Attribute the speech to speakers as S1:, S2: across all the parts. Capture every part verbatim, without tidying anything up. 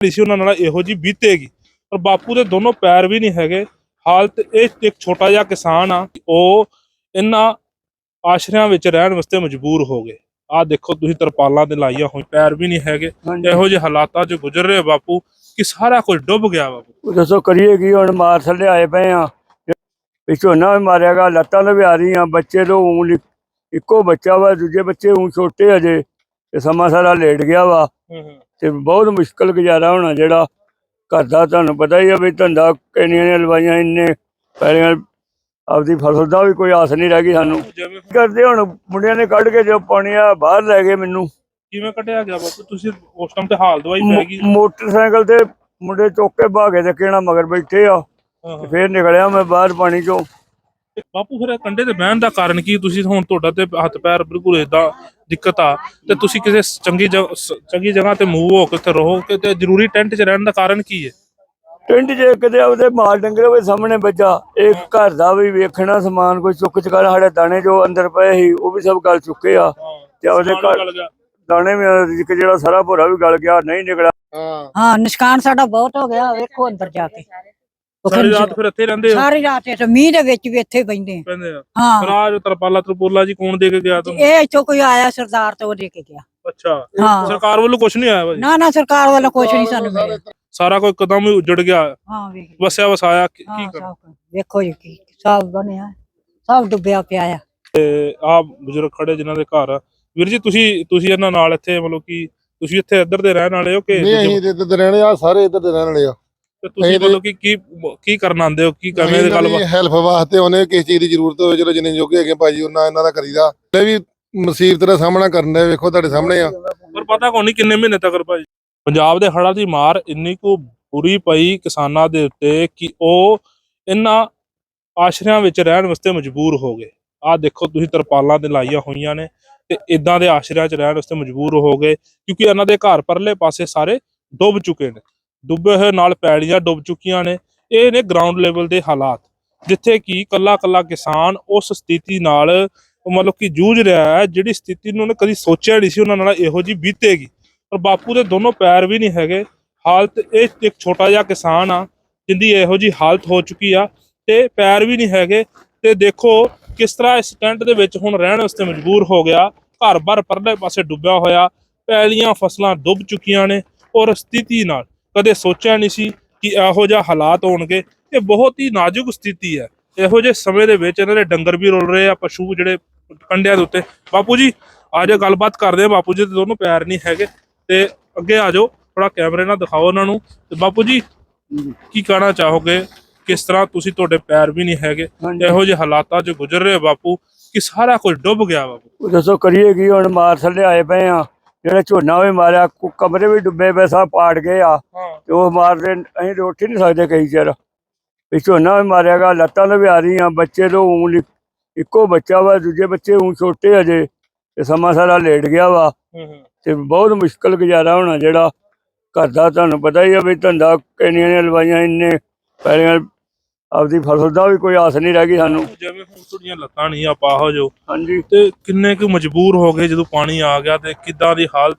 S1: ਸੀ ਉਹਨਾਂ ਨਾਲ ਇਹੋ ਜਿਹੀ ਬੀਤੇਗੀ। ਪਰ ਬਾਪੂ ਦੇ ਦੋਨੋਂ ਪੈਰ ਵੀ ਨਹੀਂ ਹੈਗੇ। ਹਾਲਤ ਇਹ ਇੱਕ ਛੋਟਾ ਜਿਹਾ ਕਿਸਾਨ ਆ, ਉਹ ਇਹਨਾਂ ਆਸ਼ਰਿਆਂ ਵਿੱਚ ਰਹਿਣ ਵਾਸਤੇ ਮਜਬੂਰ ਹੋ ਗਏ। ਆਹ ਦੇਖੋ ਤੁਸੀਂ ਤਰਪਾਲਾਂ ਤੇ ਲਾਈਆਂ ਹੋਈ, ਪੈਰ ਵੀ ਨਹੀਂ ਹੈਗੇ। ਇਹੋ ਜਿਹੇ ਹਾਲਾਤਾਂ 'ਚ ਗੁਜ਼ਰ ਰਹੇ ਬਾਪੂ ਕਿ ਸਾਰਾ ਕੁਝ ਡੁੱਬ ਗਿਆ। ਬਾਪੂ
S2: ਦੱਸੋ ਕਰੀਏ ਕੀ ਹੁਣ? ਮਾਰ ਥੱਲੇ ਆਏ ਪਏ ਆ, ਝੋਨਾ ਵੀ ਮਾਰਿਆ ਗਾ, ਲੱਤਾਂ ਤੋਂ ਵੀ ਆ ਰਹੀਆਂ। ਬੱਚੇ ਤੋਂ ਊਂ ਇੱਕੋ ਬੱਚਾ ਵਾ, ਦੂਜੇ ਬੱਚੇ ਊਂ ਛੋਟੇ ਅਜੇ, ਤੇ ਸਮਾਂ ਸਾਰਾ ਲੇਟ ਗਿਆ ਵਾ। ਤੇ ਬਹੁਤ ਮੁਸ਼ਕਲ ਗੁਜ਼ਾਰਾ ਹੋਣਾ ਜਿਹੜਾ ਘਰ ਦਾ। ਤੁਹਾਨੂੰ ਪਤਾ ਹੀ ਆ ਵੀ ਧੰਦਾ ਕਿੰਨੀਆਂ ਨੇ ਲਵਾਈਆਂ, ਇੰਨੇ ਪੈਲੀਆਂ, ਆਪਦੀ ਫਸਲ ਦਾ ਵੀ ਕੋਈ ਆਸ ਨਹੀਂ ਰਹਿ ਗਈ ਸਾਨੂੰ। ਕਰਦੇ ਹੁਣ ਮੁੰਡਿਆਂ ਨੇ ਕੱਢ ਕੇ ਜੋ ਪਾਣੀ ਆ ਬਾਹਰ ਲੈ ਗਏ। ਮੈਨੂੰ
S1: ਕਿਵੇਂ ਕੱਢਿਆ ਗਿਆ ਬਾਪੂ? ਤੁਸੀਂ ਉਸ ਟਾਈਮ ਤੇ ਹਾਲ ਦਵਾਈ ਪੈ ਗਈ?
S2: ਮੋਟਰਸਾਈਕਲ ਤੇ ਮੁੰਡੇ ਚੁੱਕ ਕੇ ਭਾਗੇ ਤੇ ਕਿਹੜਾ ਮਗਰ ਬੈਠੇ ਆ, ਫੇਰ ਨਿਕਲਿਆ ਮੈਂ ਬਾਹਰ ਪਾਣੀ ਚੋਂ।
S1: ਬਾਪੂ ਫਿਰ ਕੰਢੇ ਤੇ ਬਹਿਣ ਦਾ ਕਾਰਨ ਕੀ? ਤੁਸੀਂ ਹੁਣ ਤੁਹਾਡਾ ਤੇ ਹੱਥ ਪੈਰ ਬਿਲਕੁਲ ਏਦਾਂ ਦਿੱਕਤ ਆ, ਤੇ ਤੁਸੀਂ ਕਿਸੇ ਚੰਗੀ ਜਗ੍ਹਾ ਚੰਗੀ ਜਗ੍ਹਾ ਤੇ ਮੂਵ ਹੋ ਕੇ ਉੱਥੇ ਰਹੋ ਕਿ ਤੇ ਜ਼ਰੂਰੀ ਟੈਂਟ 'ਚ ਰਹਿਣ ਦਾ ਕਾਰਨ ਕੀ ਹੈ?
S2: ਟੈਂਟ 'ਚ ਕਿਤੇ ਉਹਦੇ ਮਾਲ ਡੰਗਰ ਹੋਵੇ ਸਾਹਮਣੇ ਬੱਚਾ, ਇਹ ਘਰ ਦਾ ਵੀ ਵੇਖਣਾ, ਸਮਾਨ ਕੋਈ ਚੁੱਕ ਚੁਕਾ, ਸਾਡੇ ਦਾਣੇ ਜੋ ਅੰਦਰ ਪਏ ਸੀ ਉਹ ਵੀ ਸਭ ਗਲ ਚੁੱਕੇ ਆ, ਤੇ ਉਹਦੇ ਘਰ ਦਾਣੇ ਵੀ ਜਿਹੜਾ ਸਾਰਾ ਭੋਰਾ ਵੀ ਗਲ ਗਿਆ, ਨਹੀਂ ਨਿਕਲਿਆ।
S3: ਹਾਂ, ਨੁਕਸਾਨ ਸਾਡਾ ਬਹੁਤ ਹੋ ਗਿਆ। ਵੇਖੋ ਅੰਦਰ ਜਾ ਕੇ
S1: ਸਾਰੀ ਰਾਤ ਫਿਰ ਇੱਥੇ ਰਹਿੰਦੇ ਹੋ?
S3: ਸਾਰੀ ਰਾਤ ਇੱਥੇ ਮੀਂਹ ਦੇ ਵਿੱਚ ਵੀ ਇੱਥੇ ਬੈਠੇ
S1: ਆ।
S3: ਹਾਂ,
S1: ਰਾਜ ਤਰਪਾਲਾ ਤਰਪੋਲਾ ਜੀ ਕੌਣ ਦੇ ਕੇ ਗਿਆ ਤੁਹਾਨੂੰ?
S3: ਇਹ ਇੱਥੋਂ ਕੋਈ ਆਇਆ ਸਰਦਾਰ ਤੋਂ ਦੇ ਕੇ ਗਿਆ।
S1: ਅੱਛਾ,
S3: ਹਾਂ,
S1: ਸਰਕਾਰ ਵੱਲੋਂ ਕੁਝ ਨਹੀਂ ਆਇਆ ਭਾਜੀ?
S3: ਨਾ ਨਾ, ਸਰਕਾਰ ਵੱਲੋਂ ਕੁਝ ਨਹੀਂ ਸਾਨੂੰ ਮਿਲਿਆ।
S1: ਸਾਰਾ ਕੋਈ ਕਦਮ ਹੀ ਉਜੜ ਗਿਆ।
S3: ਹਾਂ, ਵੇਖ
S1: ਵਸਿਆ ਵਸਾਇਆ ਕੀ ਕਰ?
S3: ਵੇਖੋ ਜੀ ਕੀ ਸਭ ਬਣਿਆ, ਸਭ ਡੁੱਬਿਆ ਪਿਆ ਆ।
S1: ਤੇ ਆਹ ਬਜ਼ੁਰਗ ਖੜੇ ਜਿਨ੍ਹਾਂ ਦੇ ਘਰ, ਵੀਰ ਜੀ ਤੁਸੀਂ ਤੁਸੀਂ ਇਹਨਾਂ ਨਾਲ ਇੱਥੇ ਮਤਲਬ ਕਿ ਤੁਸੀਂ ਇੱਥੇ ਇੱਧਰ ਦੇ ਰਹਿਣ ਵਾਲੇ ਹੋ ਕਿ?
S4: ਨਹੀਂ, ਅਸੀਂ ਇੱਧਰ ਦੇ ਰਹਿਣੇ ਆ, ਸਾਰੇ ਇੱਧਰ ਦੇ ਰਹਿਣ ਵਾਲੇ ਆ।
S1: ਤੇ ਤੁਸੀਂ ਮਤਲਬ ਕਿ ਕੀ ਕੀ ਕਰਨ ਆਉਂਦੇ ਹੋ? ਕੀ ਕਰਨੇ ਦੀ ਗੱਲ?
S4: ਹੈਲਪ ਵਾਸਤੇ ਉਹਨੇ ਕਿਸ ਚੀਜ਼ ਦੀ ਜ਼ਰੂਰਤ ਹੋਵੇ, ਚਲੋ ਜਿੰਨੇ ਜੋਗੇ ਹੈਗੇ ਭਾਜੀ ਉਹਨਾਂ ਇਹਨਾਂ ਦਾ ਕਰੀਦਾ। ਇਹ ਵੀ ਮੁਸੀਬਤ ਦਾ ਸਾਹਮਣਾ ਕਰਨ ਦੇ, ਵੇਖੋ ਤੁਹਾਡੇ ਸਾਹਮਣੇ ਆ।
S1: ਪਰ ਪਤਾ ਕੋਈ ਨਹੀਂ ਕਿੰਨੇ ਮਹੀਨੇ ਤੱਕ ਭਾਜੀ। ਪੰਜਾਬ ਦੇ ਹੜ੍ਹਾਂ ਦੀ ਮਾਰ ਇੰਨੀ ਕੁ ਬੁਰੀ ਪਈ ਕਿਸਾਨਾਂ ਦੇ ਉੱਤੇ ਕਿ ਉਹ ਇਹਨਾਂ ਆਸ਼ਰਿਆਂ ਵਿੱਚ ਰਹਿਣ ਵਾਸਤੇ ਮਜਬੂਰ ਹੋ ਗਏ। ਆਹ ਦੇਖੋ ਤੁਸੀਂ ਤਰਪਾਲਾਂ ਤੇ ਲਾਈਆਂ ਹੋਈਆਂ ਨੇ, ਤੇ ਇਦਾਂ ਦੇ ਆਸ਼ਰਿਆਂ 'ਚ ਰਹਿਣ ਵਾਸਤੇ ਮਜਬੂਰ ਹੋ ਗਏ ਕਿਉਂਕਿ ਇਹਨਾਂ ਦੇ ਘਰ ਪਰਲੇ ਪਾਸੇ ਸਾਰੇ ਡੁੱਬ ਚੁੱਕੇ ਨੇ। ਡੁੱਬੇ ਹੋਏ ਨਾਲ ਪੈਲੀਆਂ ਡੁੱਬ ਚੁੱਕੀਆਂ ਨੇ। ਇਹ ਨੇ ਗਰਾਊਂਡ ਲੈਵਲ ਦੇ ਹਾਲਾਤ, ਜਿੱਥੇ ਕਿ ਕੱਲਾ ਕੱਲਾ ਕਿਸਾਨ ਉਸ ਸਥਿਤੀ ਨਾਲ ਮਤਲਬ ਕਿ ਜੂਝ ਰਿਹਾ ਹੈ ਜਿਹੜੀ ਸਥਿਤੀ ਨੂੰ ਉਹਨੇ ਕਦੀ ਸੋਚਿਆ ਨਹੀਂ ਸੀ ਉਹਨਾਂ ਨਾਲ ਇਹੋ ਜਿਹੀ ਬੀਤੇਗੀ। ਪਰ ਬਾਪੂ ਦੇ ਦੋਨੋਂ ਪੈਰ ਵੀ ਨਹੀਂ ਹੈਗੇ। ਹਾਲਤ ਇਹ ਇੱਕ ਛੋਟਾ ਜਿਹਾ ਕਿਸਾਨ ਆ ਜਿੰਦੀ ਇਹੋ ਜਿਹੀ ਹਾਲਤ ਹੋ ਚੁੱਕੀ ਆ, ਤੇ ਪੈਰ ਵੀ ਨਹੀਂ ਹੈਗੇ। ਤੇ ਦੇਖੋ ਕਿਸ ਤਰ੍ਹਾਂ ਇਸ ਟੈਂਟ ਦੇ ਵਿੱਚ ਹੁਣ ਰਹਿਣ ਵਾਸਤੇ ਮਜਬੂਰ ਹੋ ਗਿਆ। ਘਰ ਬਾਰ ਪਰਲੇ ਪਾਸੇ ਡੁੱਬਿਆ ਹੋਇਆ, ਪੈਲੀਆਂ ਫਸਲਾਂ ਡੁੱਬ ਚੁੱਕੀਆਂ ਨੇ। ਔਰ ਸਥਿਤੀ ਨਾਲ ਕਦੇ ਸੋਚਿਆ ਨਹੀਂ ਸੀ ਕਿ ਇਹੋ ਜਿਹਾ ਹਾਲਾਤ ਹੋਣਗੇ। ਇਹ ਬਹੁਤ ਹੀ ਨਾਜ਼ੁਕ ਸਥਿਤੀ ਹੈ। ਇਹੋ ਜਿਹੇ ਸਮੇਂ ਦੇ ਵਿੱਚ ਇਹਨਾਂ ਦੇ ਡੰਗਰ ਵੀ ਰੁਲ ਰਹੇ ਆ, ਪਸ਼ੂ ਜਿਹੜੇ ਕੰਢਿਆਂ ਦੇ ਉੱਤੇ। ਬਾਪੂ ਜੀ ਆ ਜਾਓ, ਗੱਲਬਾਤ ਕਰਦੇ ਆ। ਬਾਪੂ ਜੀ ਦੇ ਦੋਨੋਂ ਪੈਰ ਨਹੀਂ ਹੈਗੇ, ਤੇ ਅੱਗੇ ਆ ਜਾਓ, ਥੋੜਾ ਕੈਮਰੇ ਨਾਲ ਦਿਖਾਓ ਉਹਨਾਂ ਨੂੰ। ਤੇ ਬਾਪੂ ਜੀ ਕੀ ਕਹਿਣਾ ਚਾਹੋਗੇ? ਕਿਸ ਤਰ੍ਹਾਂ ਤੁਸੀਂ, ਤੁਹਾਡੇ ਪੈਰ ਵੀ ਨਹੀਂ ਹੈਗੇ, ਇਹੋ ਜਿਹੇ ਹਾਲਾਤਾਂ 'ਚ ਗੁਜ਼ਰ ਰਹੇ ਬਾਪੂ ਕਿ ਸਾਰਾ ਕੁਝ ਡੁੱਬ ਗਿਆ। ਬਾਪੂ
S2: ਦੱਸੋ ਕਰੀਏ ਕੀ ਹੁਣ? ਮਾਰ ਥੱਲੇ ਆਏ ਪਏ ਆ, ਜਿਹੜਾ ਝੋਨਾ ਵੀ ਮਾਰਿਆ, ਕਮਰੇ ਵੀ ਡੁੱਬੇ ਪਏ, ਸਭ ਪਾੜ ਗਏ ਆ। ਤੇ ਉਹ ਮਾਰਦੇ ਅਸੀਂ ਉੱਠ ਹੀ ਨਹੀਂ ਸਕਦੇ ਕਈ ਚਿਰ। ਵੀ ਝੋਨਾ ਵੀ ਮਾਰਿਆ ਗਾ, ਲੱਤਾਂ ਤੋਂ ਵੀ ਆ ਰਹੀਆਂ। ਬੱਚੇ ਤੋਂ ਊਂ ਇੱਕੋ ਬੱਚਾ ਵਾ, ਦੂਜੇ ਬੱਚੇ ਊਂ ਛੋਟੇ ਅਜੇ, ਤੇ ਸਮਾਂ ਸਾਰਾ ਲੇਟ ਗਿਆ ਵਾ। ਤੇ ਬਹੁਤ ਮੁਸ਼ਕਲ ਗੁਜ਼ਾਰਾ ਹੋਣਾ ਜਿਹੜਾ ਘਰ ਦਾ। ਤੁਹਾਨੂੰ ਪਤਾ ਹੀ ਆ ਵੀ ਧੰਦਾ ਕਿੰਨੀਆਂ ਨੇ ਲਵਾਈਆਂ, ਇੰਨੇ ਪੈਲੀਆਂ, ਆਪਦੀ ਫਸਲ ਦਾ ਵੀ ਕੋਈ ਆਸ ਨਹੀਂ ਰਹਿ ਗਈ ਸਾਨੂੰ।
S1: ਜਿਵੇਂ ਹੁਣ ਤੁਹਾਡੀਆਂ ਲੱਤਾਂ ਨਹੀਂ ਆਪਾਂ ਹੋ ਜੋ,
S2: ਹਾਂਜੀ,
S1: ਤੇ ਕਿੰਨੇ ਕੁ ਮਜਬੂਰ ਹੋ ਗਏ ਜਦੋਂ ਪਾਣੀ ਆ ਗਿਆ, ਤੇ ਕਿੱਦਾਂ ਦੀ ਹਾਲਤ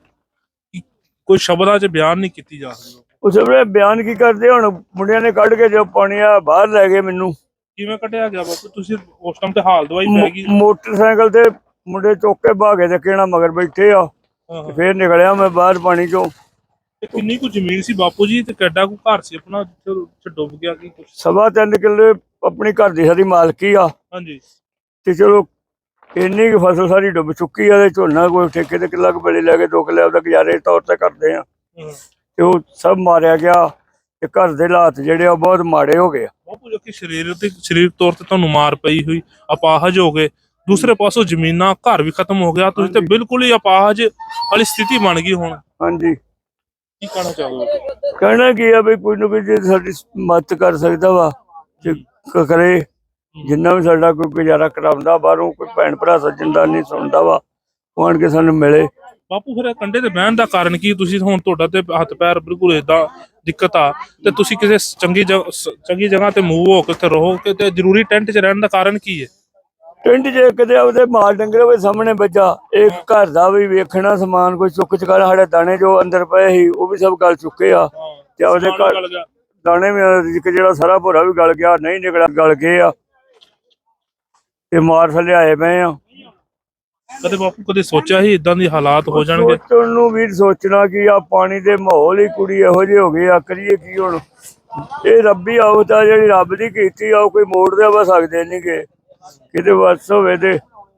S1: ਕੋਈ ਸ਼ਬਦਾਂ 'ਚ ਬਿਆਨ ਨਹੀਂ ਕੀਤੀ ਜਾ ਸਕਦੀ।
S2: ਉਸ ਵੇਲੇ ਬਿਆਨ ਕੀ ਕਰਦੇ? ਹੁਣ ਮੁੰਡਿਆਂ ਨੇ ਕੱਢ ਕੇ ਜੋ ਪਾਣੀ ਆ ਬਾਹਰ ਲੈ ਗਏ। ਮੈਨੂੰ
S1: ਕਿਵੇਂ ਕੱਢਿਆ ਗਿਆ ਬਾਪੂ? ਤੁਸੀਂ ਉਸ ਟਾਈਮ ਤੇ ਹਾਲ ਦਵਾਈ ਪੈ ਗਈ?
S2: ਮੋਟਰਸਾਈਕਲ ਤੇ ਮੁੰਡੇ ਚੁੱਕ ਕੇ ਭਾਗੇ ਤੇ ਕਿਹੜਾ ਮਗਰ ਬੈਠੇ ਆ, ਫੇਰ ਨਿਕਲਿਆ ਮੈਂ ਬਾਹਰ ਪਾਣੀ ਚੋਂ।
S1: ਕਿੰਨੀ ਕੁ ਜ਼ਮੀਨ ਸੀ ਬਾਪੂ ਜੀ, ਤੇ ਕਿੱਡਾ ਕੁ ਘਰ ਸੀ ਆਪਣਾ ਜਿੱਥੇ ਡੁੱਬ ਗਿਆ? ਕੀ ਕੁਛ
S2: ਸਵਾ ਤਿੰਨ ਕਿੱਲੇ ਆਪਣੀ ਘਰ ਦੀ ਸਾਰੀ ਮਾਲਕੀ ਆ।
S1: ਹਾਂਜੀ,
S2: ਤੇ ਚਲੋ ਇੰਨੀ ਕੁ ਫਸਲ ਸਾਰੀ ਡੁੱਬ ਚੁੱਕੀ ਆ। ਤੇ ਝੋਨਾ ਕੋਈ ਠੇਕੇ ਤੇ ਕਿੱਲਾ ਕੁ ਬੜੇ ਲੈ ਕੇ ਦੋ ਕਿੱਲੇ ਆਪਦਾ ਗੁਜ਼ਾਰੇ ਤੌਰ ਤੇ ਕਰਦੇ ਆ, ਤੇ ਉਹ ਸਭ ਮਾਰਿਆ ਗਿਆ। ਤੇ ਘਰ ਦੇ ਹਾਲਾਤ ਜਿਹੜੇ ਆ ਬਹੁਤ ਮਾੜੇ ਹੋ ਗਏ ਆ
S1: ਬਾਪੂ। ਜੋ ਕਿ ਸਰੀਰ ਤੇ ਸਰੀਰਕ ਤੌਰ ਤੇ ਤੁਹਾਨੂੰ ਮਾਰ ਪਈ ਹੋਈ, ਅਪਾਹਜ ਹੋ ਗਏ। ਦੂਸਰੇ ਪਾਸੋਂ ਜ਼ਮੀਨਾਂ, ਘਰ ਵੀ ਖਤਮ ਹੋ ਗਿਆ। ਤੁਸੀਂ ਤੇ ਬਿਲਕੁਲ ਹੀ ਅਪਾਹਜ ਵਾਲੀ ਸਥਿਤੀ ਬਣ ਗਈ ਹੁਣ।
S2: ਹਾਂਜੀ,
S1: ਕੀ ਕਹਿਣਾ ਚਾਹੋਗੇ?
S2: ਕਹਿਣਾ ਕੀ ਆ ਵੀ ਕੋਈ ਨਾ ਕੋਈ ਜੇ ਸਾਡੀ ਮਦਦ ਕਰ ਸਕਦਾ ਵਾ ਤੇ ਕਰੇ। ਜਿੰਨਾ ਵੀ ਸਾਡਾ ਕੋਈ ਗੁਜ਼ਾਰਾ ਕਰਾਉਂਦਾ, ਬਾਹਰੋਂ ਕੋਈ ਭੈਣ ਭਰਾ ਸੱਜਣਦਾਰ ਨਹੀਂ ਸੁਣਦਾ ਵਾ, ਉਹ ਆਣ ਕੇ ਸਾਨੂੰ ਮਿਲੇ।
S1: ਬਾਪੂ ਫਿਰ ਕੰਢੇ ਤੇ ਬਹਿਣ ਦਾ ਕਾਰਨ ਕੀ? ਤੁਸੀਂ ਹੁਣ ਤੁਹਾਡਾ ਤੇ ਹੱਥ ਪੈਰ ਬਿਲਕੁਲ ਏਦਾਂ ਦਿੱਕਤ ਆ, ਤੇ ਤੁਸੀਂ ਕਿਸੇ ਚੰਗੀ ਜਗ੍ਹਾ ਚੰਗੀ ਜਗ੍ਹਾ ਤੇ ਮੂਵ ਹੋ ਕੇ ਉੱਥੇ ਰਹੋ ਕਿ ਤੇ ਜ਼ਰੂਰੀ ਟੈਂਟ 'ਚ ਰਹਿਣ ਦਾ ਕਾਰਨ ਕੀ ਹੈ?
S2: ਟਿੰਡ ਜੇ ਕਿਤੇ ਉਹਦੇ ਮਾਲ ਡੰਗਰੇ ਦੇ ਸਾਹਮਣੇ ਬੱਜਾ। ਇੱਕ ਘਰ ਦਾ ਵੀ ਵੇਖਣਾ ਸਮਾਨ ਕੋਈ ਚੁੱਕ ਚੁਕਾ ਸਾਡੇ ਦਾਣੇ ਜੋ ਅੰਦਰ ਪਏ ਸੀ ਉਹ ਵੀ ਸਭ ਗਲ ਚੁੱਕੇ ਆ ਤੇ ਉਹਦੇ ਘਰ ਦਾਣੇ ਵੀ ਇੱਕ ਜਿਹੜਾ ਸਾਰਾ ਭੋਰਾ ਵੀ ਗਲ ਗਿਆ, ਨਹੀਂ ਨਿਕਲਿਆ ਗਲ ਗਏ ਆ ਤੇ ਮਾਰ ਥੱਲੇ ਆਏ ਪਏ ਆ।
S1: ਕਦੇ ਬਾਪੂ ਕਦੇ ਸੋਚਿਆ ਸੀ ਇਦਾਂ ਦੀ ਹਾਲਾਤ ਹੋ ਜਾਣਗੇ?
S2: ਸੋਚਣ ਨੂੰ ਵੀ ਸੋਚਣਾ ਕਿ ਆ ਪਾਣੀ ਦੇ ਮਾਹੌਲ ਹੀ ਕੁੜੀ ਇਹੋ ਜਿਹੇ ਹੋ ਗਏ ਆ, ਕਰੀਏ ਕੀ ਹੁਣ। ਇਹ ਰੱਬੀ ਆਉਤ ਆ ਜਿਹੜੀ ਰੱਬ ਦੀ ਕੀਤੀ ਆ, ਉਹ ਕੋਈ ਮੋੜ ਦੇ ਵਾ ਸਕਦੇ ਨਹੀਂ ਗੇ, ਕਿਤੇ ਵਸ ਹੋਵੇ ਤੇ।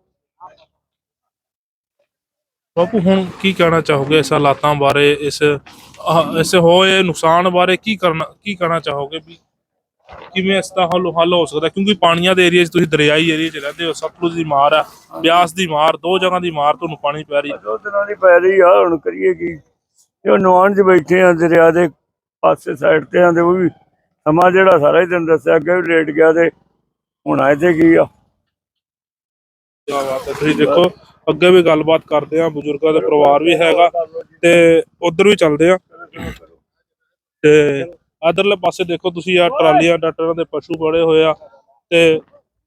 S1: ਬਾਪੂ ਹੁਣ ਕੀ ਕਹਿਣਾ ਚਾਹੋਗੇ ਇਸ ਹਾਲਾਤਾਂ ਬਾਰੇ, ਇਸ ਆਹ ਇਸ ਹੋਏ ਨੁਕਸਾਨ ਬਾਰੇ ਕੀ ਕਰਨਾ ਕੀ ਕਹਿਣਾ ਚਾਹੋਗੇ ਵੀ ਕਿਵੇਂ ਇਸ ਦਾ ਹੱਲ ਹੱਲ ਹੋ ਸਕਦਾ? ਕਿਉਂਕਿ ਪਾਣੀਆਂ ਦੇ ਏਰੀਆ 'ਚ ਤੁਸੀਂ ਦਰਿਆਈ ਏਰੀਆ 'ਚ ਰਹਿੰਦੇ ਹੋ, ਸਤਲੁਜ ਦੀ ਮਾਰ ਆ, ਬਿਆਸ ਦੀ ਮਾਰ, ਦੋ ਜਗ੍ਹਾ ਦੀ ਮਾਰ ਤੁਹਾਨੂੰ ਪਾਣੀ ਪੈ ਰਹੀ।
S2: ਦੋ ਦਿਨਾਂ ਦੀ ਪੈ ਰਹੀ ਆ, ਹੁਣ ਕਰੀਏ ਕੀ। ਇਹ ਨਵਾਨ 'ਚ ਬੈਠੇ ਆ ਦਰਿਆ ਦੇ ਪਾਸੇ ਸਾਈਡ ਤੇ ਆ ਤੇ ਉਹ ਵੀ ਸਮਾਂ ਜਿਹੜਾ ਸਾਰਾ ਹੀ ਤੈਨੂੰ ਦੱਸਿਆ ਅੱਗੇ ਵੀ ਲੇਟ ਗਿਆ ਤੇ ਹੁਣ ਆਏ ਤੇ ਕੀ ਆ।
S1: ਕਿਆ ਬਾਤ ਹੈ। ਤੁਸੀਂ ਦੇਖੋ ਅੱਗੇ ਵੀ ਗੱਲਬਾਤ ਕਰਦੇ ਆ, ਬਜ਼ੁਰਗਾਂ ਦਾ ਪਰਿਵਾਰ ਵੀ ਹੈਗਾ ਤੇ ਉਧਰ ਵੀ ਚੱਲਦੇ ਆ ਤੇ ਇਧਰਲੇ ਪਾਸੇ ਦੇਖੋ ਤੁਸੀਂ ਆ ਟਰਾਲੀਆਂ ਡਾਕਟਰਾਂ ਦੇ ਪਸ਼ੂ ਬੜੇ ਹੋਏ ਆ ਤੇ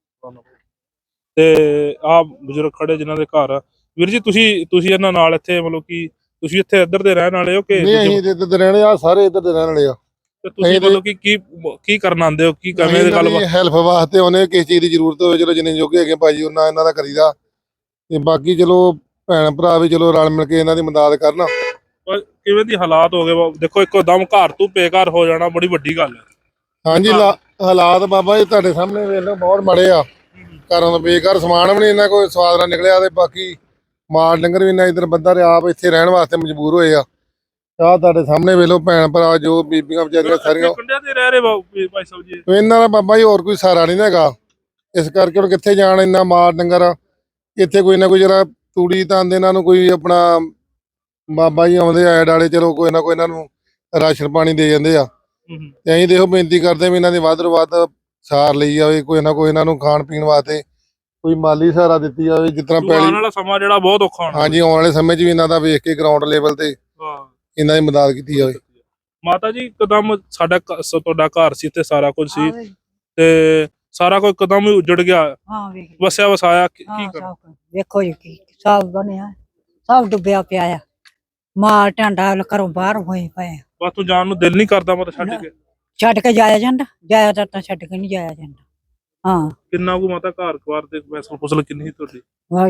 S1: ਤੇ ਆ ਬਜ਼ੁਰਗ ਖੜੇ ਜਿਨ੍ਹਾਂ ਦੇ ਘਰ ਆ। ਵੀਰ ਜੀ ਤੁਸੀਂ ਤੁਸੀਂ ਇਹਨਾਂ ਨਾਲ ਇੱਥੇ ਮਤਲਬ ਕਿ ਤੁਸੀਂ ਇੱਥੇ ਇੱਧਰ ਦੇ ਰਹਿਣ ਵਾਲੇ ਹੋ ਕਿ
S4: ਨਹੀਂ ਅਸੀਂ ਤੇ ਇੱਧਰ ਦੇ ਰਹਿਣੇ ਆ, ਸਾਰੇ ਇੱਧਰ ਦੇ ਰਹਿਣ ਵਾਲੇ ਆ।
S1: ਤੇ ਤੁਸੀਂ ਮਤਲਬ ਕਿ ਕੀ ਕੀ ਕਰਨ ਆਉਂਦੇ ਹੋ, ਕੀ ਕਰਨੇ ਦੀ ਗੱਲ?
S4: ਹੈਲਪ ਵਾਸਤੇ ਉਹਨੇ ਕਿਸੇ ਚੀਜ਼ ਦੀ ਜ਼ਰੂਰਤ ਹੋਵੇ ਚਲੋ ਜਿੰਨੇ ਜੋਗੇ ਹੈਗੇ ਭਾਜੀ ਉਹਨਾਂ ਇਹਨਾਂ ਦਾ ਕਰੀਦਾ ਤੇ ਬਾਕੀ ਚਲੋ ਭੈਣ ਭਰਾ ਵੀ ਚਲੋ ਰਲ ਮਿਲ ਕੇ ਇਹਨਾਂ ਦੀ ਮਦਦ ਕਰਨ।
S1: ਕਿਵੇਂ ਦੀ ਹਾਲਾਤ ਹੋ ਗਏ ਦੇਖੋ, ਇੱਕੋ ਦਮ ਘਰ ਤੋਂ ਬੇਘਰ ਹੋ ਜਾਣਾ ਬੜੀ ਵੱਡੀ ਗੱਲ ਹੈ।
S4: ਹਾਂਜੀ ਹਾਲਾਤ ਬਾਬਾ ਜੀ ਤੁਹਾਡੇ ਸਾਹਮਣੇ ਵੇਖ ਲਓ ਬਹੁਤ ਮਾੜੇ ਆ। ਘਰਾਂ ਦਾ ਬੇਕਾਰ ਸਮਾਨ ਵੀ ਨਹੀਂ ਇਹਨਾਂ ਕੋਈ ਸਵਾਦ ਨਾਲ ਨਿਕਲਿਆ ਤੇ ਬਾਕੀ ਮਾਲ ਡੰਗਰ ਵੀ ਇਹਨਾਂ ਇੱਧਰ ਬੰਦਾ ਰਿਹਾ ਆਪ ਇੱਥੇ ਰਹਿਣ ਵਾਸਤੇ ਮਜਬੂਰ ਹੋਏ ਆ। ਆਹ ਤੁਹਾਡੇ ਸਾਹਮਣੇ ਵੇਖ ਲਓ ਭੈਣ ਭਰਾ ਜੋ ਬੀਬੀਆਂ ਵਿਚਾਰੀਆਂ ਸਾਰੀਆਂ
S1: ਪਿੰਡਾਂ ਤੇ ਰਹਿ ਰਹੇ ਭਾਈ ਸਾਹਿਬ ਜੀ।
S4: ਇਹਨਾਂ ਦਾ ਬਾਬਾ ਜੀ ਹੋਰ ਕੋਈ ਸਹਾਰਾ ਨਹੀਂ ਹੈਗਾ, ਇਸ ਕਰਕੇ ਹੁਣ ਕਿੱਥੇ ਜਾਣ ਇੰਨਾ ਮਾਲ ਡੰਗਰ। ਇੱਥੇ ਕੋਈ ਨਾ ਕੋਈ ਜਿਹੜਾ ਤੂੜੀ ਤਾਂਦੇ ਇਹਨਾਂ ਨੂੰ ਕੋਈ ਆਪਣਾ ਬਾਬਾ ਜੀ ਆਉਂਦੇ ਆਏ ਡਾਲੇ ਚਲੋ ਕੋਈ ਨਾ ਕੋਈ ਇਹਨਾਂ ਨੂੰ ਰਾਸ਼ਨ ਪਾਣੀ ਦੇ ਜਾਂਦੇ ਆ ਤੇ ਅਸੀਂ ਦੇਖੋ ਬੇਨਤੀ ਕਰਦੇ ਵੀ ਇਹਨਾਂ ਦੀ ਵੱਧ ਤੋਂ ਵੱਧ ਸਾਰ ਲਈ ਜਾਵੇ, ਕੋਈ ਨਾ ਕੋਈ ਇਹਨਾਂ ਨੂੰ ਖਾਣ ਪੀਣ ਵਾਸਤੇ ਕੋਈ ਮਾਲੀ ਸਹਾਰਾ ਦਿੱਤੀ ਜਾਵੇ ਜਿਸ ਤਰ੍ਹਾਂ
S1: ਪਹਿਲਾਂ ਵਾਲਾ ਸਮਾਂ ਜਿਹੜਾ ਬਹੁਤ ਔਖਾ ਹੋਣਾ।
S4: ਹਾਂਜੀ ਆਉਣ ਵਾਲੇ ਸਮੇਂ 'ਚ ਵੀ ਇਹਨਾਂ ਦਾ ਵੇਖ ਕੇ ਗਰਾਊਂਡ ਲੈਵਲ ਤੇ ਇਹਨਾਂ ਦੀ ਮਦਦ ਕੀਤੀ ਜਾਵੇ।
S1: ਮਾਤਾ ਜੀ ਇੱਕਦਮ ਸਾਡਾ ਤੁਹਾਡਾ ਘਰ ਸੀ ਤੇ ਸਾਰਾ ਕੁਝ ਸੀ ਤੇ ਸਾਰਾ ਕੁਝ ਇੱਕਦਮ ਹੀ ਉਜੜ ਗਿਆ,
S3: ਹਾਂ ਵੇਖ
S1: ਵਸਿਆ ਵਸਾਇਆ ਕੀ
S3: ਹਾਂ
S1: ਕਰਨਾ?
S3: ਸਭ ਵੇਖੋ ਜੀ ਕੀ ਸਭ ਬਣਿਆ, ਸਭ ਡੁੱਬਿਆ ਪਿਆ ਆ। ਮਾਲ ਟਾਂਡਾ ਘਰੋਂ ਬਾਹਰ ਹੋਏ ਪਏ ਆ।
S1: ਬਸ ਤੂੰ ਜਾਣ ਨੂੰ ਦਿਲ ਨਹੀਂ ਕਰਦਾ ਮਤ ਛੱਡ ਕੇ?
S3: ਛੱਡ ਕੇ ਜਾਇਆ ਜਾਂਦਾ, ਜਾਇਆ ਤਾਂ ਤਾਂ ਛੱਡ ਕੇ ਨਹੀਂ ਜਾਇਆ ਜਾਂਦਾ। ਹਾਂ
S1: ਕਿੰਨਾ ਕੁ ਮਾਤਾ ਘਰ ਘਰ ਦੇ ਫਸਲ ਫਸਲ ਕਿੰਨੀ ਸੀ ਤੁਹਾਡੀ?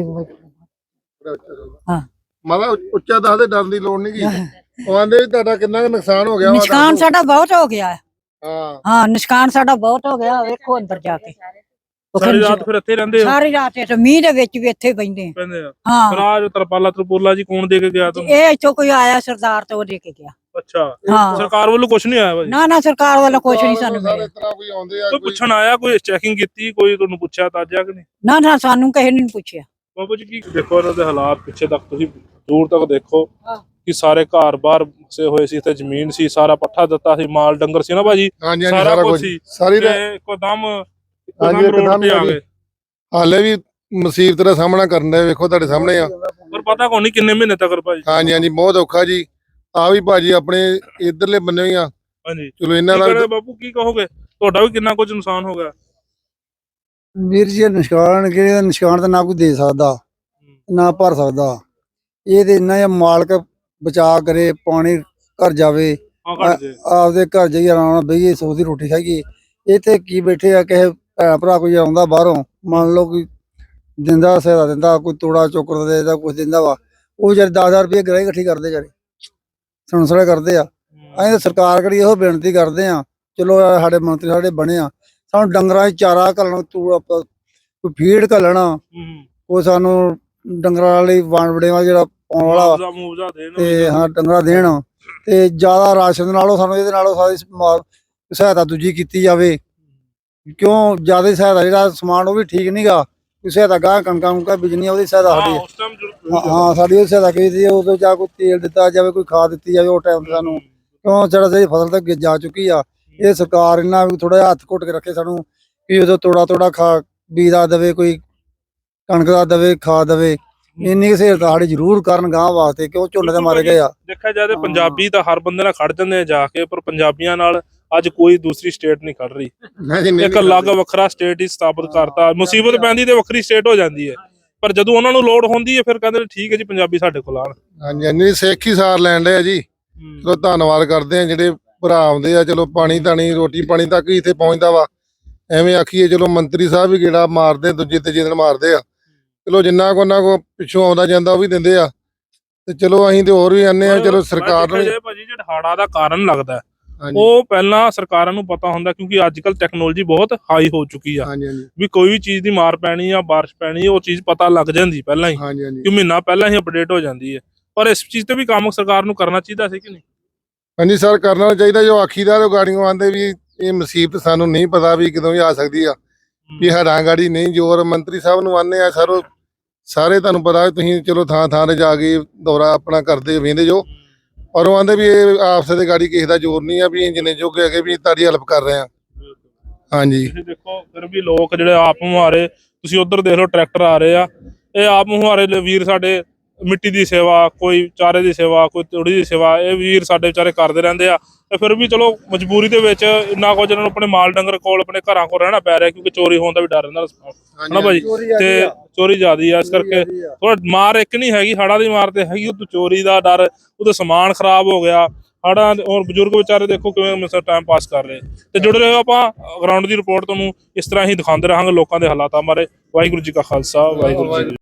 S3: ਵਾਹਿਗੁਰੂ ਹਾਂ
S4: ਮਾਤਾ ਉੱਚਾ ਦੱਸਦੇ ਡਰਨ ਦੀ ਲੋੜ ਨਹੀਂ ਕੀ ਆਂਦੇ ਤੁਹਾਡਾ ਕਿੰਨਾ ਕੁ ਨੁਕਸਾਨ ਹੋ ਗਿਆ?
S3: ਨੁਕਸਾਨ ਸਾਡਾ ਬਹੁਤ ਹੋ ਗਿਆ ਹੈ।
S4: ਹਾਂ
S3: ਹਾਂ ਨੁਕਸਾਨ ਸਾਡਾ ਬਹੁਤ ਹੋ ਗਿਆ। ਵੇਖੋ ਅੰਦਰ ਜਾ ਕੇ
S1: ਸਾਰੀ ਰਾਤ ਫਿਰ ਇੱਥੇ ਰਹਿੰਦੇ ਹੋ?
S3: ਸਾਰੀ ਰਾਤ ਇੱਥੇ ਮੀਂਹ ਦੇ ਵਿੱਚ ਵੀ ਇੱਥੇ ਬੈਠੇ
S1: ਪੈਂਦੇ ਆ।
S3: ਹਾਂ
S1: ਫਿਰ ਆਹ ਜੋ ਤਰਪਾਲਾ ਤਰਪੂਲਾ ਜੀ ਕੌਣ ਦੇ ਕੇ ਗਿਆ ਤੁਹਾਨੂੰ?
S3: ਇਹ ਇੱਥੋਂ ਕੋਈ ਆਇਆ ਸਰਦਾਰ ਤੋਂ ਦੇ ਕੇ ਗਿਆ।
S1: ਅੱਛਾ
S3: ਹਾਂ
S1: ਸਰਕਾਰ ਵੱਲੋਂ ਕੁਝ ਨਹੀਂ ਆਇਆ ਭਾਈ?
S3: ਨਾ ਨਾ ਸਰਕਾਰ ਵੱਲੋਂ ਕੁਝ ਨਹੀਂ ਸਾਨੂੰ
S4: ਸਾਰੇ
S3: ਮਿਲਿਆ।
S4: ਇਸ ਤਰ੍ਹਾਂ ਕੋਈ ਆਉਂਦੇ ਆ
S1: ਕੋਈ ਪੁੱਛਣ ਆਇਆ, ਕੋਈ ਚੈਕਿੰਗ ਕੀਤੀ, ਕੋਈ ਤੁਹਾਨੂੰ ਪੁੱਛਿਆ ਤਾਜਿਆ ਕਿ ਨਹੀਂ?
S3: ਨਾ ਨਾ ਸਾਨੂੰ ਕਿਸੇ ਨੇ ਨਹੀਂ ਪੁੱਛਿਆ।
S1: ਬਾਬੂ ਜੀ ਕੀ ਦੇਖੋ ਇਹਨਾਂ ਦੇ ਹਾਲਾਤ ਪਿੱਛੇ ਤੱਕ ਤੁਸੀਂ ਦੂਰ ਤੱਕ ਦੇਖੋ ਕਿ ਸਾਰੇ ਘਰ ਬਾਹਰ ਵਸੇ ਹੋਏ ਸੀ ਤੇ ਜ਼ਮੀਨ ਸੀ, ਸਾਰਾ ਪੱਠਾ ਦਿੱਤਾ ਸੀ, ਮਾਲ ਡੰਗਰ ਸੀ ਨਾ ਭਾਜੀ,
S4: ਹਾਂਜੀ ਹਾਂਜੀ
S1: ਸਾਰਾ
S4: ਸਾਰਾ
S1: ਕੁਝ
S4: ਕੁਝ
S1: ਸੀ
S4: ਸਾਰੀ
S1: ਤੇ ਇੱਕਦਮ
S4: ਹਾਂਜੀ,
S1: ਇੱਕਦਮ ਰੋਡ
S4: ਇੱਕਦਮ
S1: ਤੇ ਆ
S4: ਹੀ
S1: ਗਏ।
S4: ਹਾਲੇ ਵੀ ਮੁਸੀਬਤ ਦਾ ਸਾਹਮਣਾ ਕਰਨ ਦੇ ਵੇਖੋ ਤੁਹਾਡੇ ਸਾਹਮਣੇ ਆ।
S1: ਪਰ ਪਤਾ ਕੋਈ ਨਹੀਂ ਕਿੰਨੇ ਮਹੀਨੇ ਤੱਕ ਭਾਜੀ।
S4: ਹਾਂਜੀ ਹਾਂਜੀ ਬਹੁਤ ਔਖਾ ਜੀ। ਆ ਵੀ ਭਾਜੀ ਆਪਣੇ ਇਧਰਲੇ ਬੰਨੇ ਹੀ ਆ।
S1: ਹਾਂਜੀ
S4: ਚਲੋ ਇਹਨਾਂ
S1: ਕੀ
S4: ਦਾ
S1: ਕਰੇ ਬਾਪੂ, ਕੀ ਕਹੋਗੇ? ਤੁਹਾਡਾ ਵੀ ਕਿੰਨਾ ਕੁਝ ਨੁਕਸਾਨ ਹੋ ਗਿਆ?
S5: ਵੀਰ ਜੀ ਨਿਸ਼ਕਾਨ ਕਿ ਨਿਸ਼ਕਾਨ ਤਾਂ ਨਾ ਕੋਈ ਦੇ ਸਕਦਾ ਨਾ ਭਰ ਸਕਦਾ। ਇਹ ਤੇ ਇੰਨਾ ਜਿਹਾ ਮਾਲਕ ਬਚਾ ਕਰੇ, ਪਾਣੀ ਘਰ ਜਾਵੇ,
S1: ਹਾਂ ਘੱਟ ਜੇ
S5: ਆਪਦੇ ਘਰ ਜਾਈਏ ਆਰਾਮ ਨਾਲ ਬਈਏ, ਸੋਚ ਦੀ ਰੋਟੀ ਖਾਈਏ। ਇੱਥੇ ਕੀ ਬੈਠੇ ਆ, ਕਿਸੇ ਭੈਣ ਭਰਾ ਕੋਈ ਆਉਂਦਾ ਬਾਹਰੋਂ, ਮੰਨ ਲਓ ਕੋਈ ਦਿੰਦਾ ਸਹਾਇਤਾ ਦਿੰਦਾ, ਕੋਈ ਤੋੜਾ ਚੋਕਰ ਦੇ ਦਾ ਕੁਝ ਦਿੰਦਾ ਵਾ, ਉਹ ਜਦ ਦਸ ਹਜ਼ਾਰ ਰੁਪਏ ਗ੍ਰਾਹੀ ਇਕੱਠੀ ਕਰਦੇ ਜਾਰੇ ਸੁਣਸੜਾ ਕਰਦੇ ਆ। ਅਸੀਂ ਤਾਂ ਸਰਕਾਰ ਕਰੀ ਇਹੋ ਬੇਨਤੀ ਕਰਦੇ ਆ, ਚਲੋ ਆਹ ਸਾਡੇ ਮੰਤਰੀ ਸਾਡੇ ਬਣੇ ਆ, ਸਾਨੂੰ ਡੰਗਰਾਂ 'ਚ ਚਾਰਾ ਘੱਲਣਾ, ਤੂੜਾ ਕੋਈ ਫੀਡ ਘੱਲਣਾ, ਉਹ ਸਾਨੂੰ ਡੰਗਰਾਂ ਲਈ ਵਣ ਵੜੇਵਾ ਜਿਹੜਾ ਪਾਉਣ ਵਾਲਾ
S1: ਮੁਆਵਜ਼ਾ ਮੁਆਵਜ਼ਾ ਦੇਣ
S5: ਤੇ ਹਾਂ ਡੰਗਰਾਂ ਦੇਣ ਤੇ ਜ਼ਿਆਦਾ ਰਾਸ਼ਨ ਨਾਲੋਂ ਸਾਨੂੰ ਇਹਦੇ ਨਾਲੋਂ ਸਾਰੀ ਸਮਾ- ਸਹਾਇਤਾ ਦੂਜੀ ਕੀਤੀ ਜਾਵੇ। ਕਿਉਂ ਜ਼ਿਆਦਾ ਸਹਾਇਤਾ ਜਿਹੜਾ ਸਮਾਨ ਉਹ ਵੀ ਠੀਕ ਨਹੀਂਗਾ, ਕੋਈ ਸਹਾਇਤਾ ਗਾਂ ਕਣਕਾਂ ਕੁਣਕਾਂ ਬੀਜਣੀਆਂ ਉਹਦੀ ਸਹਾਇਤਾ
S1: ਹਾਂ
S5: ਸਾਡੀ
S1: ਉਸ ਟਾਈਮ
S5: ਹਾਂ ਹਾਂ ਸਾਡੀ ਉਹ ਸਹਾਇਤਾ ਕੀਤੀ ਹੈ। ਉਦੋਂ ਜਾਂ ਕੋਈ ਤੇਲ ਦਿੱਤਾ ਜਾਵੇ, ਕੋਈ ਖਾਦ ਦਿੱਤੀ ਜਾਵੇ ਉਹ ਟਾਈਮ ਤੇ ਸਾਨੂੰ, ਕਿਉਂ ਜਿਹੜਾ ਸਾਡੀ ਫਸਲ ਤੱਕ ਜਾ ਚੁੱਕੀ ਆ। ਇਹ ਸਰਕਾਰ ਇਹਨਾਂ ਵੀ ਥੋੜਾ ਜਿਹਾ ਹੱਥ ਘੁੱਟ ਕੇ ਰੱਖੇ ਸਾਨੂੰ, ਕਿ ਉਦੋਂ ਤੋੜਾ ਤੋੜਾ ਖਾ ਬੀਜ ਦਾ ਦੇਵੇ, ਕੋਈ ਕਣਕ ਦਾ ਦੇਵੇ, ਖਾਦ ਦੇਵੇ। ਇੰਨੀ ਸਹਾਇਤਾ ਸਾਡੀ ਜ਼ਰੂਰ ਕਰਨ ਗਾਂ ਵਾਸਤੇ, ਕਿਉਂ ਝੋਨੇ ਤੇ ਮਾਰੇ ਗਏ ਆ।
S1: ਦੇਖਿਆ ਜਾਏ ਤਾਂ ਪੰਜਾਬੀ ਤਾਂ ਹਰ ਬੰਦੇ ਨਾਲ ਖੜ ਜਾਂਦੇ ਆ ਜਾ ਕੇ, ਪਰ ਪੰਜਾਬੀਆਂ ਨਾਲ ਅੱਜ ਕੋਈ ਦੂਸਰੀ ਸਟੇਟ ਨਹੀਂ ਖੜ ਰਹੀ।
S4: ਹਾਂਜੀ, ਨਹੀਂ-
S1: ਇੱਕ ਅਲੱਗ ਵੱਖਰਾ ਸਟੇਟ ਹੀ ਸਥਾਪਿਤ ਕਰਤਾ। ਮੁਸੀਬਤ ਪੈਂਦੀ ਤੇ ਵੱਖਰੀ ਸਟੇਟ ਹੋ ਜਾਂਦੀ ਹੈ, ਪਰ ਜਦੋਂ ਉਹਨਾਂ ਨੂੰ ਲੋੜ ਹੁੰਦੀ ਹੈ ਫਿਰ ਕਹਿੰਦੇ ਨੇ ਠੀਕ ਹੈ ਜੀ ਪੰਜਾਬੀ ਸਾਡੇ ਕੋਲ ਆਣ।
S4: ਹਾਂਜੀ ਹਾਂਜੀ ਸਿੱਖ ਹੀ ਸਾਰ ਲੈਣ ਡਏ ਆ ਜੀ। ਚਲੋ ਧੰਨਵਾਦ ਕਰਦੇ ਆ ਜਿਹੜੇ ਭਰਾ ਆਉਂਦੇ ਆ, ਚਲੋ ਪਾਣੀ ਧਾਣੀ ਰੋਟੀ ਪਾਣੀ ਤੱਕ ਹੀ ਇੱਥੇ ਪਹੁੰਚਦਾ ਵਾ। ਐਵੇਂ ਆਖੀਏ ਚਲੋ ਮੰਤਰੀ ਸਾਹਿਬ ਵੀ ਗੇੜਾ ਮਾਰਦੇ, ਦੂਜੇ ਤੀਜੇ ਦਿਨ ਮਾਰਦੇ ਆ। ਚਲੋ ਜਿੰਨਾ ਕੋ ਉਹਨਾਂ ਕੋ ਪਿੱਛੋਂ ਆਉਂਦਾ ਜਾਂਦਾ ਉਹ ਵੀ ਦਿੰਦੇ ਆ, ਤੇ ਚਲੋ ਅਸੀਂ ਤੇ ਹੋਰ ਵੀ ਆਨੇ ਆ। ਚਲੋ ਸਰਕਾਰ ਨੂੰ
S1: ਨੂੰ ਭਾਜੀ ਜਿਹੜਾ ਹੜ੍ਹਾਂ ਦਾ ਕਾਰਨ ਲੱਗਦਾ
S4: ਹਾਂਜੀ
S1: ਉਹ ਪਹਿਲਾਂ ਸਰਕਾਰਾਂ ਨੂੰ ਪਤਾ ਹੁੰਦਾ, ਕਿਉਂਕਿ ਅੱਜ ਕੱਲ ਟੈਕਨੋਲੋਜੀ ਬਹੁਤ ਹਾਈ ਹੋ ਚੁੱਕੀ ਆ
S4: ਹਾਂਜੀ ਹਾਂਜੀ
S1: ਵੀ ਕੋਈ ਵੀ ਚੀਜ਼ ਦੀ ਮਾਰ ਪੈਣੀ ਆ, ਬਾਰਿਸ਼ ਪੈਣੀ ਆ, ਉਹ ਚੀਜ਼ ਪਤਾ ਲੱਗ ਜਾਂਦੀ ਪਹਿਲਾਂ ਹੀ,
S4: ਹਾਂਜੀ ਹਾਂਜੀ
S1: ਕਿ ਮਹੀਨਾ ਪਹਿਲਾਂ ਹੀ ਅਪਡੇਟ ਹੋ ਜਾਂਦੀ ਹੈ। ਪਰ ਇਸ ਚੀਜ਼ ਤੇ ਵੀ ਕੰਮ ਸਰਕਾਰ ਨੂੰ ਕਰਨਾ ਚਾਹੀਦਾ ਸੀ ਕਿ ਨਹੀਂ?
S4: ਹਾਂਜੀ ਸਰ ਕਰਨਾ ਚਾਹੀਦਾ। ਜੋ ਆਖੀਦਾਰ ਉਹ ਗਾੜੀਆਂ ਆਉਂਦੇ ਵੀ ਇਹ ਮੁਸੀਬਤ ਸਾਨੂੰ ਨਹੀਂ ਪਤਾ ਵੀ ਕਦੋਂ ਵੀ ਆ ਸਕਦੀ ਆ, ਵੀ ਹੜਾਂ ਗਾੜੀ ਨਹੀਂ ਜੋਰ। ਮੰਤਰੀ ਸਾਹਿਬ ਨੂੰ ਆਨੇ ਆ ਸਰ, ਸਾਰੇ ਤੁਹਾਨੂੰ ਪਤਾ ਤੁਸੀਂ ਚਲੋ ਥਾਂ ਥਾਂ ਤੇ ਜਾ ਕੇ ਦੌਰਾ ਆਪਣਾ ਕਰਦੇ ਵੇਂਦੇ ਜੋ, ਔਰ ਉਹ ਆਂਦੇ ਵੀ ਇਹ ਆਪਸ ਦੇ ਗਾੜੀ ਕਿਸੇ ਦਾ ਜ਼ੋਰ ਨਹੀਂ ਆ, ਵੀ ਜਿੰਨੇ ਜੋਗੇ ਹੈਗੇ ਵੀ ਤੁਹਾਡੀ ਹੈਲਪ ਕਰ ਰਹੇ ਆ। ਹਾਂਜੀ
S1: ਤੁਸੀਂ ਦੇਖੋ ਫਿਰ ਵੀ ਲੋਕ ਜਿਹੜੇ ਆਪ ਮੁਹਾਰੇ, ਤੁਸੀਂ ਉਧਰ ਦੇਖ ਲਓ ਟਰੈਕਟਰ ਆ ਰਹੇ ਆ, ਇਹ ਆਪ ਮੁਹਾਰੇ ਵੀਰ ਸਾਡੇ ਮਿੱਟੀ ਦੀ ਸੇਵਾ, ਕੋਈ ਚਾਰੇ ਦੀ ਸੇਵਾ, ਕੋਈ ਤੂੜੀ ਦੀ ਸੇਵਾ, ਇਹ ਵੀਰ ਸਾਡੇ ਵਿਚਾਰੇ ਕਰਦੇ ਰਹਿੰਦੇ ਆ। ਤੇ ਫਿਰ ਵੀ ਚਲੋ ਮਜਬੂਰੀ ਦੇ ਵਿੱਚ ਇੰਨਾ ਕੁਝ ਇਹਨਾਂ ਨੂੰ ਆਪਣੇ ਮਾਲ ਡੰਗਰ ਕੋਲ, ਆਪਣੇ ਘਰਾਂ ਕੋਲ ਰਹਿਣਾ ਪੈ ਰਿਹਾ, ਕਿਉਂਕਿ ਚੋਰੀ ਹੋਣ ਦਾ ਵੀ ਡਰ ਰਹਿੰਦਾ ਹਨਾ ਭਾਜੀ। ਤੇ ਚੋਰੀ ਜ਼ਿਆਦੀ ਆ, ਇਸ ਕਰਕੇ ਥੋੜਾ ਮਾਰ ਇੱਕ ਨਹੀਂ ਹੈਗੀ, ਹੜ੍ਹਾਂ ਦੀ ਮਾਰ ਤੇ ਹੈਗੀ, ਉਹ ਚੋਰੀ ਦਾ ਡਰ, ਉਹਦਾ ਸਮਾਨ ਖਰਾਬ ਹੋ ਗਿਆ ਹੜ੍ਹਾਂ। ਔਰ ਬਜ਼ੁਰਗ ਵਿਚਾਰੇ ਦੇਖੋ ਕਿਵੇਂ ਮਿਸਰ ਟਾਈਮ ਪਾਸ ਕਰ ਰਹੇ। ਤੇ ਜੁੜੇ ਰਹੋ, ਆਪਾਂ ਗਰਾਊਂਡ ਦੀ ਰਿਪੋਰਟ ਤੁਹਾਨੂੰ ਇਸ ਤਰ੍ਹਾਂ ਹੀ ਦਿਖਾਉਂਦੇ ਰਹਾਂਗੇ ਲੋਕਾਂ ਦੇ ਹਾਲਾਤਾਂ ਬਾਰੇ। ਵਾਹਿਗੁਰੂ ਜੀ ਕਾ ਖਾਲਸਾ, ਵਾਹਿਗੁਰੂ ਜੀ ਕੀ ਫਤਿਹ।